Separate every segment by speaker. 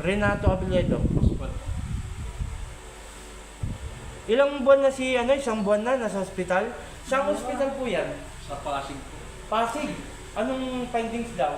Speaker 1: Renato Abiliedo.
Speaker 2: Hospital.
Speaker 1: Ilang buwan na si, isang buwan na nasa ospital? Saan ospital po yan?
Speaker 2: Sa Pasig po.
Speaker 1: Pasig. Anong findings daw?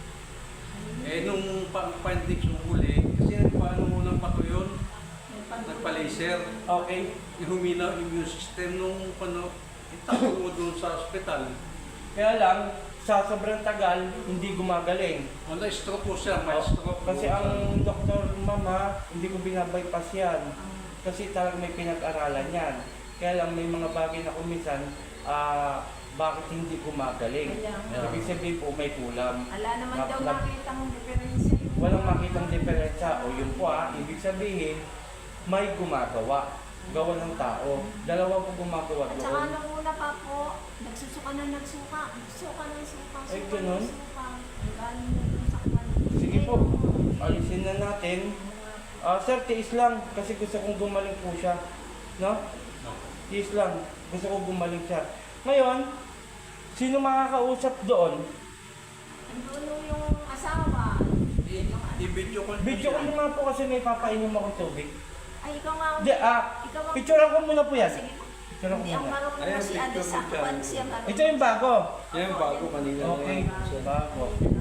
Speaker 2: Nung findings yung huli, kasi paano mo lang pa yun? Nagpa-laser.
Speaker 1: Okay.
Speaker 2: Humina yung immune system nung itakbo mo doon sa ospital.
Speaker 1: Kaya lang, sa sobrang tagal, hindi gumagaling.
Speaker 2: Wala, stroke po siya, may stroke.
Speaker 1: Kasi ang doktor mama, hindi ko binabypass yan. Kasi talagang may pinag-aralan yan. Kaya lang may mga bagay na kumisan, bakit hindi gumagaling? Ibig sabihin po may kulam.
Speaker 3: Ala naman daw makita mong diferensya.
Speaker 1: Walang makitang diferensya. O yun po ibig sabihin, may gumagawa. Gawa ng tao. Dalawa po gumagawa
Speaker 3: At
Speaker 1: doon.
Speaker 3: saka nung una pa po, nagsusuka ng suka.
Speaker 1: Ay, ganun?
Speaker 3: Galing na dun sa kwan.
Speaker 1: Sige po, alisin na natin. Sir, tiis lang kasi gusto kong gumaling po siya. No? Tiis lang. Gusto kong gumaling siya. Ngayon, sino makakausap doon?
Speaker 3: Andun yung asawa.
Speaker 2: I-video ko
Speaker 1: Video ko naman po kasi may papainom akong tubig.
Speaker 3: Ay, ikaw nga.
Speaker 1: Hindi,
Speaker 3: Ikaw nga.
Speaker 1: picturean ko muna po yan.
Speaker 3: Sige po.
Speaker 1: Picturean ko
Speaker 3: Hindi, ang
Speaker 1: muna.
Speaker 3: marunong
Speaker 2: Ayan,
Speaker 3: mo si Ate
Speaker 2: picture
Speaker 3: sa
Speaker 2: mo dyan.
Speaker 3: kwan siya marunong.
Speaker 1: Ito yung bago.
Speaker 2: Yan, bago kanina.
Speaker 1: Okay, bago.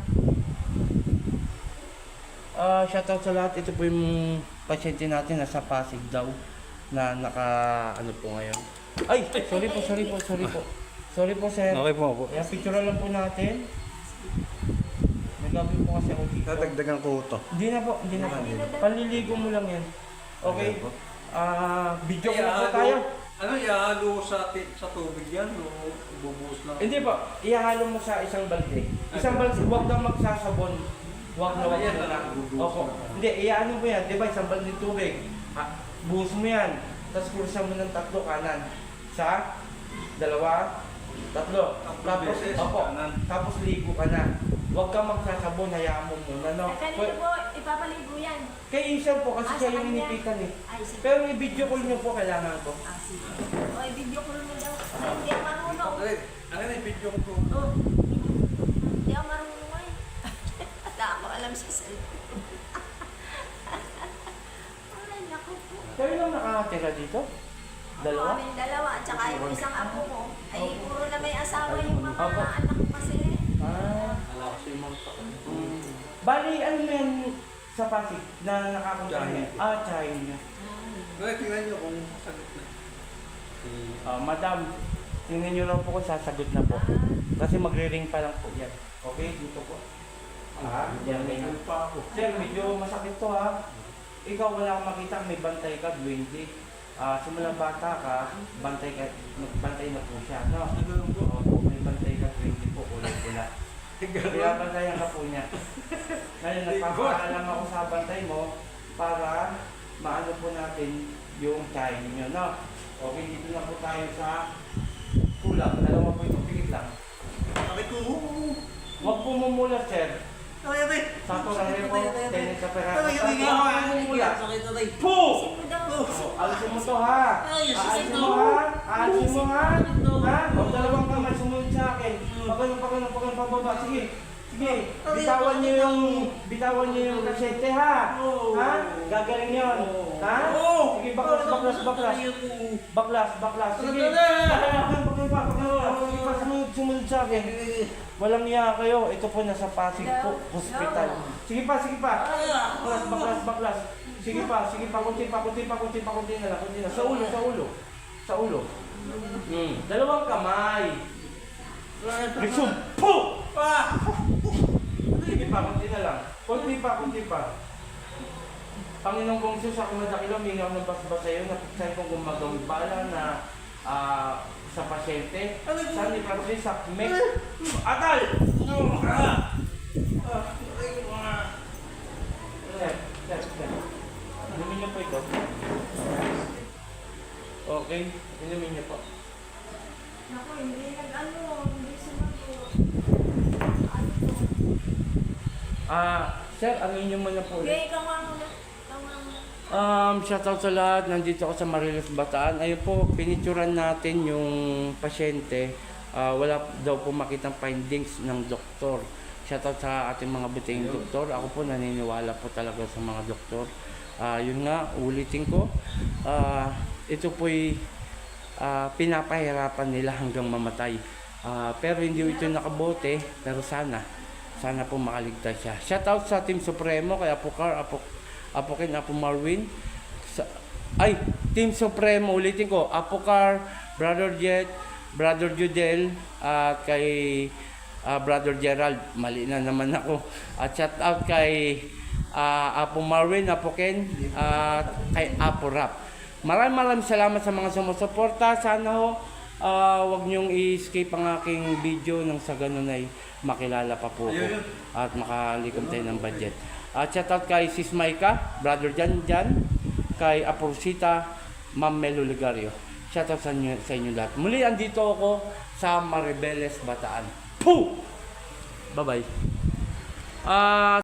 Speaker 1: Shoutout sa lahat. Ito po yung pasyente natin nasa Pasig daw na ano po ngayon. Ay, sorry po. Sorry po, sir.
Speaker 2: Okay po.
Speaker 1: Kaya picture lang po natin. Nagagawin po kasi ako dito.
Speaker 2: Tatagdagan ko ito.
Speaker 1: Hindi na po. Panliligo mo lang yan. Okay? Video ko na po tayo.
Speaker 2: Ano, ihalo sa tubig yan o bubuhos lang?
Speaker 1: Hindi po. Ihalo mo sa isang balde. Isang balde, huwag kang magsasabon. Huwag na. Opo. Hindi, iyaano mo yan. Di ba, isang balde tubig. Buhos mo yan. Tapos kursan mo ng 3 kanan. Sa 2, 3. Tapos,
Speaker 2: beses,
Speaker 1: opo.
Speaker 2: kanan.
Speaker 1: Tapos ligo ka na. Huwag kang magsasabon. Hayaan mo muna. No?
Speaker 3: Kanino po, ipapaligo yan.
Speaker 1: Kay Isang po kasi siya
Speaker 3: sa
Speaker 1: yung
Speaker 3: kanya.
Speaker 1: inipitan eh.
Speaker 3: Ay, sige.
Speaker 1: Pero i-video call niyo po kailangan ko.
Speaker 3: Sige. O, i-video ko mo daw. Ay, hindi ako marunong.
Speaker 2: Ano na, i-video ko po.
Speaker 3: Oh, hindi ako marunong eh. At ako alam sa cellphone. Ay, naku po.
Speaker 1: Kayo lang nakatira dito? Dalawa?
Speaker 3: Ako, kaming dalawa. At saka yung isang apo ko. Ay, puro na may asawa yung mga
Speaker 1: Opo.
Speaker 3: anak ko kasi.
Speaker 2: Ala kasi yung mga
Speaker 1: Bali, ano mo yan sa Pasig na nakakumpanya?
Speaker 2: Tsahin.
Speaker 1: Tsahin niya.
Speaker 2: tingnan nyo kung sagot na.
Speaker 1: Madam, tingnan niyo lang po kung sasagot na po. Kasi magre-ring pa lang po yan. Okay, dito po. Yan, may
Speaker 2: Ano pa ako?
Speaker 1: Sir, medyo masakit to Ikaw wala kang makita, may bantay ka, 20. Simulang bata ka, nagbantay na po siya. No?
Speaker 2: Ano po?
Speaker 1: Opo, may bantay ka, 20 po, ulit-ulit. Kaya bantayan ka po niya. Ngayon, nagpapaalam ako sa bantay mo para maano po natin yung tsahin niyo, no? Okay, dito na po tayo sa kulang. Dalawa po ito, pigit lang.
Speaker 2: Sabi ko,
Speaker 1: Huwag po mumulat, sir. Sato lang rin po, tennis sa pera. Huwag po mumulat. Po!
Speaker 3: Kasi mo daw.
Speaker 1: Alisin mo to ha! Aalisin mo ha! Aalisin mo ha! Ha? Huwag dalawang kamay sumunod sa akin. Pagano pababa. Sige. Bitawan niyo yung kasete ha! Ha? Gagaling yun. Ha? Sige, baklas. Baklas. Sige. Sige pa, sumunod sa akin. Walang niya kayo. Ito po nasa Pasig po, hospital. Sige pa. Baklas. Sige pa, kunti na lang. Sa ulo. Dalawang kamay. Resume. Po! Sige pa, kunti na lang. Kunti pa. Panginoong kong Diyos, ako madakilo, mingaw ng basbas sa iyo, napagsahin kong gumagawin bala na sa pasyente. Saan ni Patrick sa mek? Atal! Sir. Inumin niyo po ito. Okay, inumin niyo po.
Speaker 3: Naku, hindi hindi sumagot.
Speaker 1: Sir, ano niyo muna po ulit?
Speaker 3: Okay, ikaw nga muna.
Speaker 1: Shoutout sa lahat. Nandito ako sa Marilos, Bataan. Ayun po, pinicturan natin yung pasyente. Wala daw po makitang findings ng doktor. Shoutout sa ating mga buting doktor. Ako po naniniwala po talaga sa mga doktor. Yun nga, ulitin ko. Ito po'y pinapahirapan nila hanggang mamatay. Pero hindi ito nakabote, pero sana po makaligtas siya. Shoutout sa Team Supremo, kay Apocar, Apokin, Apo Marwin. Team Supremo, ulitin ko, Apocar, Brother Jet, Brother Judel, at kay Brother Gerald, mali na naman ako. At shoutout kay Apo Marwin, Apokin, at kay Apo Rap. Maraming salamat sa mga sumusuporta. Sana ho, wag niyong i-escape ang aking video nang sa ganun ay makilala pa po ko at makalikom tayo ng budget. At shoutout kay Sis Maika, Brother Jan, kay Aporsita, Ma'am Melo Ligario. Shoutout sa inyo lahat. Muli, andito ako sa Maribeles, Bataan. Poo! Bye-bye.